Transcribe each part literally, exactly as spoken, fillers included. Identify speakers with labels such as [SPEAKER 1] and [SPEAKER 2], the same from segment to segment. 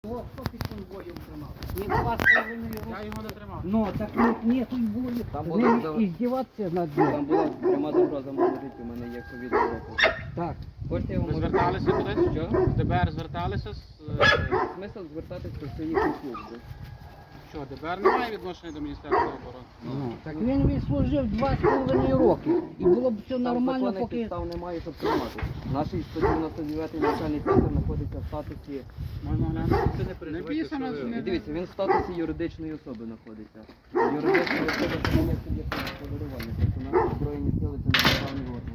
[SPEAKER 1] О, хто під конвоєм тримав? Ні, два з половиною роки.
[SPEAKER 2] Я його не тримав.
[SPEAKER 1] Ну, так ні, ні, тут було.
[SPEAKER 3] Там
[SPEAKER 1] З
[SPEAKER 3] було
[SPEAKER 1] ним
[SPEAKER 3] за-
[SPEAKER 1] і здіватися над
[SPEAKER 3] Там
[SPEAKER 1] ним.
[SPEAKER 3] була пряма загроза моєму життю, у мене є ковід доказ.
[SPEAKER 1] Так.
[SPEAKER 3] Хочете я вам
[SPEAKER 2] Ви
[SPEAKER 3] можу...
[SPEAKER 2] зверталися кудись?
[SPEAKER 3] Що?
[SPEAKER 2] В ДБР зверталися з... е,
[SPEAKER 3] Смисл звертатись до своїх служби.
[SPEAKER 2] Що, ДБР не має відношення до Міністерства оборони?
[SPEAKER 1] Ну, так він відслужив два з половиною роки. І було б все
[SPEAKER 3] Там
[SPEAKER 1] нормально,
[SPEAKER 3] законних
[SPEAKER 1] поки...
[SPEAKER 3] підстав немає, щоб тримати. Наш сто дев'яносто дев'ятий навчальний центр знаходиться в статусі...
[SPEAKER 2] Можна глянути?
[SPEAKER 4] Це не
[SPEAKER 2] Не
[SPEAKER 4] переживайте,
[SPEAKER 2] писано,
[SPEAKER 4] що
[SPEAKER 2] що
[SPEAKER 4] ви-
[SPEAKER 2] не-
[SPEAKER 3] Дивіться, він в статусі юридичної особи знаходиться. Юридична особа це не є суб'єктом господарювання, тобто наші збройні сили це не державний орган.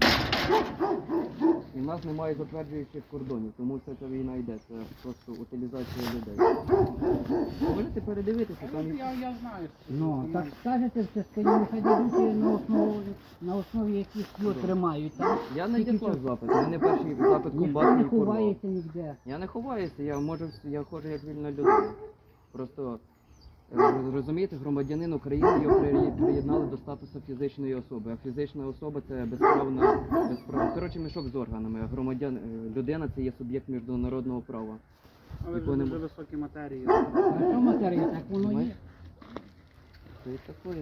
[SPEAKER 3] І в нас немає затверджуючих кордонів, тому вся ця війна йде, це просто утилізація людей. Можете передивитися, там...
[SPEAKER 2] Я, я знаю.
[SPEAKER 1] Ну, так скажете, все скоріше, нехай дадуть на основі, на основі яких його тримають. Там.
[SPEAKER 3] Я не
[SPEAKER 1] Тільки
[SPEAKER 3] діслав
[SPEAKER 1] що-
[SPEAKER 3] запит, у мене перший запит
[SPEAKER 1] Ніхто
[SPEAKER 3] комбатний
[SPEAKER 1] не
[SPEAKER 3] порвав.
[SPEAKER 1] ховається ніде.
[SPEAKER 3] Я не ховаюся, я можу, вс- я ходжу як вільна людина. Просто е, роз- розумієте, громадянин України його при- приєднали до статусу фізичної особи. А фізична особа це безправна, безправна. Коротше, мішок з органами. А громадян, е, людина це є суб'єкт міжнародного права.
[SPEAKER 2] Але
[SPEAKER 3] Якого
[SPEAKER 2] дуже
[SPEAKER 3] нема.
[SPEAKER 2] високі матерії.
[SPEAKER 1] А що матерія, так воно є.
[SPEAKER 3] Це і таке.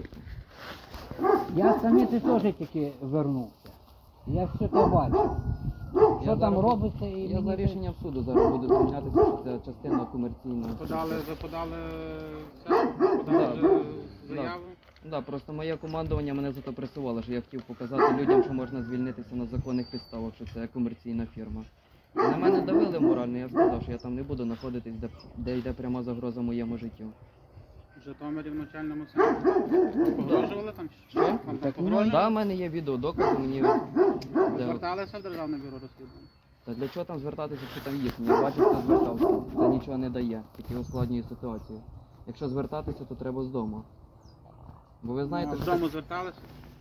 [SPEAKER 1] Я самі ти теж тільки вернувся. Я все це бачив. Що
[SPEAKER 3] Я
[SPEAKER 1] там
[SPEAKER 3] зараз-
[SPEAKER 1] робиться і
[SPEAKER 3] Я за
[SPEAKER 1] мені
[SPEAKER 3] рішенням суду зараз буду звучатися, що це частина комерційна.
[SPEAKER 2] Подали, ви подали це? Подали
[SPEAKER 3] Да.
[SPEAKER 2] вже заяву?
[SPEAKER 3] Да, просто моє командування мене за то пресувало, що я хотів показати людям, що можна звільнитися на законних підставах, що це комерційна фірма. І на мене давили морально, я сказав, що я там не буду знаходитись, де, де йде пряма загроза моєму життю.
[SPEAKER 2] В Житомирі в навчальному центрі. Погрожували там?
[SPEAKER 3] Що?
[SPEAKER 2] Вам там
[SPEAKER 1] Так, ну,
[SPEAKER 2] погрожували?
[SPEAKER 3] Так, в мене є відео, докази мені. Де...
[SPEAKER 2] Зверталися в Державне бюро розслідувань?
[SPEAKER 3] Та для чого там звертатися, якщо там їхні? Я бачив, хто звертався. Це нічого не дає, тільки ускладнює ситуацію. Якщо звертатися, то треба з дому. Бо ви знаєте,
[SPEAKER 2] Ну, а
[SPEAKER 3] що...
[SPEAKER 2] вдома зверталися?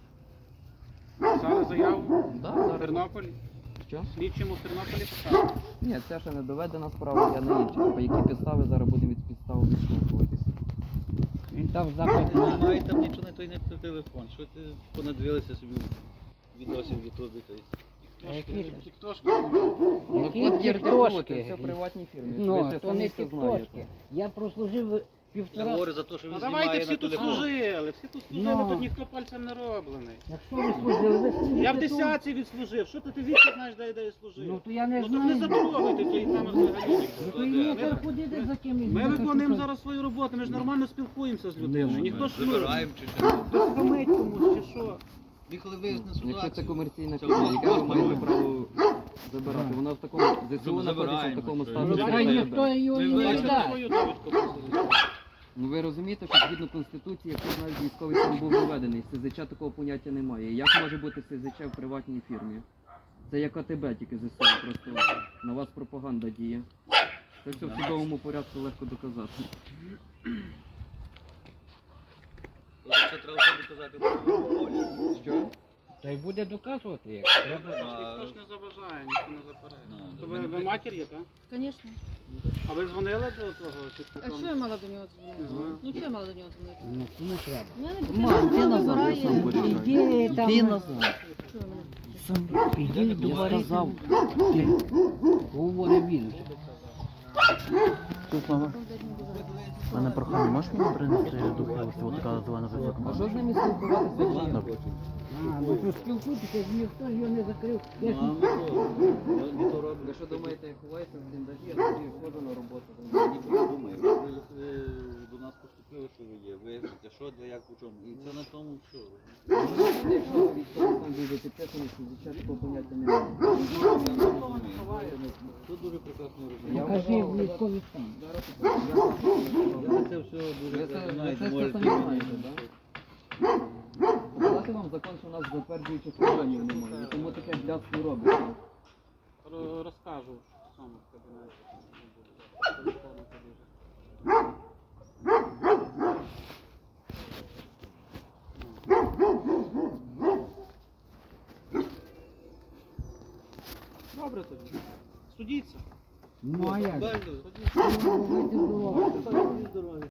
[SPEAKER 2] Писали заяву?
[SPEAKER 3] Да,
[SPEAKER 2] В
[SPEAKER 3] зараз.
[SPEAKER 2] Тернополі?
[SPEAKER 3] Що?
[SPEAKER 2] Слідчому в Тернополі писали?
[SPEAKER 3] Ні, це ще не доведена справа, я на інші. По які підстави зараз будемо від підстав відштовхуватися.
[SPEAKER 1] він дав запит
[SPEAKER 4] Ну,
[SPEAKER 1] на...
[SPEAKER 4] немає там нічого, не той не той телефон. Що ти понадивилися собі відосів в Ютубі? то есть?
[SPEAKER 1] А які ж?
[SPEAKER 2] Тіктошки?
[SPEAKER 3] Ну,
[SPEAKER 1] Які
[SPEAKER 3] от є
[SPEAKER 1] тіктошки?
[SPEAKER 3] це все в приватній фірмі.
[SPEAKER 1] Ну,
[SPEAKER 3] ви це
[SPEAKER 1] то
[SPEAKER 3] самі
[SPEAKER 1] не
[SPEAKER 3] все
[SPEAKER 1] тіктошки.
[SPEAKER 3] знаєте.
[SPEAKER 1] Я прослужив
[SPEAKER 4] Я
[SPEAKER 1] півтора...
[SPEAKER 4] говорю за те, що він
[SPEAKER 2] Ну
[SPEAKER 4] знімає
[SPEAKER 2] давайте всі
[SPEAKER 4] на
[SPEAKER 2] тут
[SPEAKER 4] телефон.
[SPEAKER 2] служили, всі тут служили,
[SPEAKER 1] Ну.
[SPEAKER 2] тут ніхто пальцем не роблений.
[SPEAKER 1] Якщо ви служили, ви служите
[SPEAKER 2] Я в
[SPEAKER 1] тут.
[SPEAKER 2] десятці відслужив, що ти ти вічно знаєш, де де я служив?
[SPEAKER 1] Ну, то я не
[SPEAKER 2] Ну так не
[SPEAKER 1] знаю.
[SPEAKER 2] затрогайте тої теми взагалі.
[SPEAKER 1] Ну, то і є
[SPEAKER 2] Ми-
[SPEAKER 1] ходити за ким
[SPEAKER 2] Ми виконуємо зараз свою роботу, ми ж нормально спілкуємося з людиною. Ніхто ж ну,
[SPEAKER 4] Забираємо чи що.
[SPEAKER 2] хтось хамить комусь чи що.
[SPEAKER 4] І коли виясне
[SPEAKER 3] Якщо це
[SPEAKER 4] ситуацію,
[SPEAKER 3] комерційна
[SPEAKER 4] це
[SPEAKER 3] фірма,
[SPEAKER 4] воно
[SPEAKER 3] яке ви
[SPEAKER 4] просто
[SPEAKER 3] маєте
[SPEAKER 4] робить.
[SPEAKER 3] право забирати? Вона в такому ЗСУ знаходиться в
[SPEAKER 4] забираємо,
[SPEAKER 3] такому
[SPEAKER 4] що
[SPEAKER 3] статусі.
[SPEAKER 2] Ну,
[SPEAKER 1] Та
[SPEAKER 2] давай,
[SPEAKER 3] що
[SPEAKER 1] ніхто
[SPEAKER 3] це-
[SPEAKER 1] його
[SPEAKER 4] Ми
[SPEAKER 1] не
[SPEAKER 4] вияснимо
[SPEAKER 1] дасть.
[SPEAKER 2] свою довідку просто.
[SPEAKER 3] Ну ви розумієте, що згідно Конституції, якщо навіть військовий стан був введений, СЗЧ такого поняття немає. Як може бути СЗЧ в приватній фірмі? Це як АТБ, тільки ЗСУ, просто на вас пропаганда діє. Це все в судовому порядку легко доказати.
[SPEAKER 4] Це треба собі казати про волю.
[SPEAKER 3] Що?
[SPEAKER 1] Та й буде доказувати, як треба.
[SPEAKER 2] Ніхто ж не заважає, ніхто не заперечує.
[SPEAKER 4] Ну,
[SPEAKER 2] То ви, ви матір є, так?
[SPEAKER 5] Конечно.
[SPEAKER 2] А ви дзвонили до того? чи
[SPEAKER 5] А
[SPEAKER 2] хто
[SPEAKER 5] що я мала до нього дзвонити?
[SPEAKER 2] Ага.
[SPEAKER 5] Ну що я мала до нього дзвонити?
[SPEAKER 1] Ну, кому треба.
[SPEAKER 5] У мене
[SPEAKER 3] Мам,
[SPEAKER 5] дитина
[SPEAKER 3] ти назад,
[SPEAKER 5] вибирає.
[SPEAKER 3] я сам буду.
[SPEAKER 1] Іди там.
[SPEAKER 3] Іди назад.
[SPEAKER 5] Що ви мене?
[SPEAKER 1] Сам іди до сказав. Ти. Говорив він.
[SPEAKER 6] У мене прохання, можеш мені принести духовку, от така звана висока?
[SPEAKER 3] А що з ними спілкуватися?
[SPEAKER 1] А, ну то спілкуйтеся, ніхто ж його не закрив. Я ж...
[SPEAKER 4] Ну, а ми що? Ми то робимо.
[SPEAKER 3] Ви що думаєте, я ховаюся в бліндажі, я тоді ходжу на роботу.
[SPEAKER 4] Я нічого не думаю. Ви ви до нас поступили, що ви є. Вияснити, що, де, як, у чому. І це на тому все.
[SPEAKER 3] Якщо військовий стан буде підписаний, СЗЧ такого поняття немає.
[SPEAKER 4] Тут дуже прекрасно
[SPEAKER 3] Я
[SPEAKER 4] розумію.
[SPEAKER 1] Покажи
[SPEAKER 3] вважав,
[SPEAKER 1] військовий стан.
[SPEAKER 3] Зараз
[SPEAKER 4] Я це все
[SPEAKER 3] Ви
[SPEAKER 4] дуже
[SPEAKER 3] це- ви
[SPEAKER 4] знаєте,
[SPEAKER 3] це
[SPEAKER 4] можете.
[SPEAKER 3] самі знаєте, так? Показати вам закон, що у нас затверджуючих органів немає, тому таке блядство робиться.
[SPEAKER 2] Ро- Розкажу сам в кабінеті. Телефону тобі. Добре тоді. Судіться.
[SPEAKER 1] Ну а як?
[SPEAKER 4] Правильно?
[SPEAKER 1] Ну, ви здорові.
[SPEAKER 4] Здоров'я.